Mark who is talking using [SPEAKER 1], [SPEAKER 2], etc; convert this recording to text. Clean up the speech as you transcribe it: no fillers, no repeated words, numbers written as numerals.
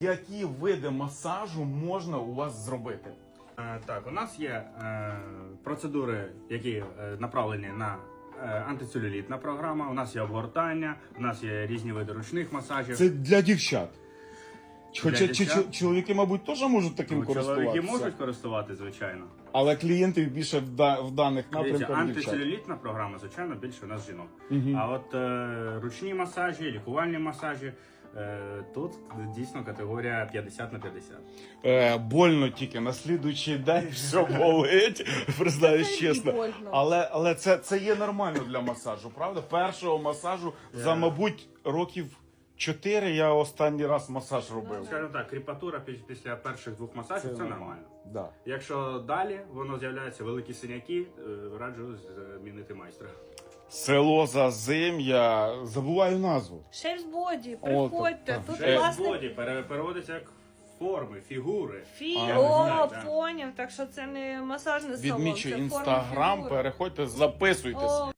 [SPEAKER 1] Які види масажу можна у вас зробити?
[SPEAKER 2] Так, у нас є процедури, які направлені на антицелюлітна програма, у нас є обгортання, у нас є різні види ручних масажів.
[SPEAKER 1] Це для дівчат. Хоча
[SPEAKER 2] дівчат?
[SPEAKER 1] чоловіки, мабуть, теж можуть таким користуватися.
[SPEAKER 2] Чоловіки можуть користувати, звичайно.
[SPEAKER 1] Але клієнтів більше в даних
[SPEAKER 2] Дивіться,
[SPEAKER 1] напрямках дівчат.
[SPEAKER 2] антицелюлітна програма, звичайно, більше у нас жінок. А от ручні масажі, лікувальні масажі, тут дійсно категорія 50 на 50.
[SPEAKER 1] Больно тільки на слідуючий день все болить, признаюсь чесно. Але це є нормально для масажу, правда? Першого масажу за, мабуть, років 4 я останній раз масаж робив.
[SPEAKER 2] Скажімо так, кріпатура після перших 2 масажів це нормально.
[SPEAKER 1] Да.
[SPEAKER 2] Якщо далі воно з'являються великі синяки, раджу змінити майстра.
[SPEAKER 1] Село Зазим'я, забуваю назву.
[SPEAKER 3] Шефс-боді, приходьте,
[SPEAKER 1] так.
[SPEAKER 3] тут
[SPEAKER 2] Шефс-боді
[SPEAKER 3] власне
[SPEAKER 2] переводиться як форми, фігури.
[SPEAKER 3] О,
[SPEAKER 2] так.
[SPEAKER 3] поняв, так що це не масажний салон,
[SPEAKER 1] Відмічу
[SPEAKER 3] це форма
[SPEAKER 1] інстаграм,
[SPEAKER 3] фігури.
[SPEAKER 1] переходьте, записуйтесь.
[SPEAKER 3] О,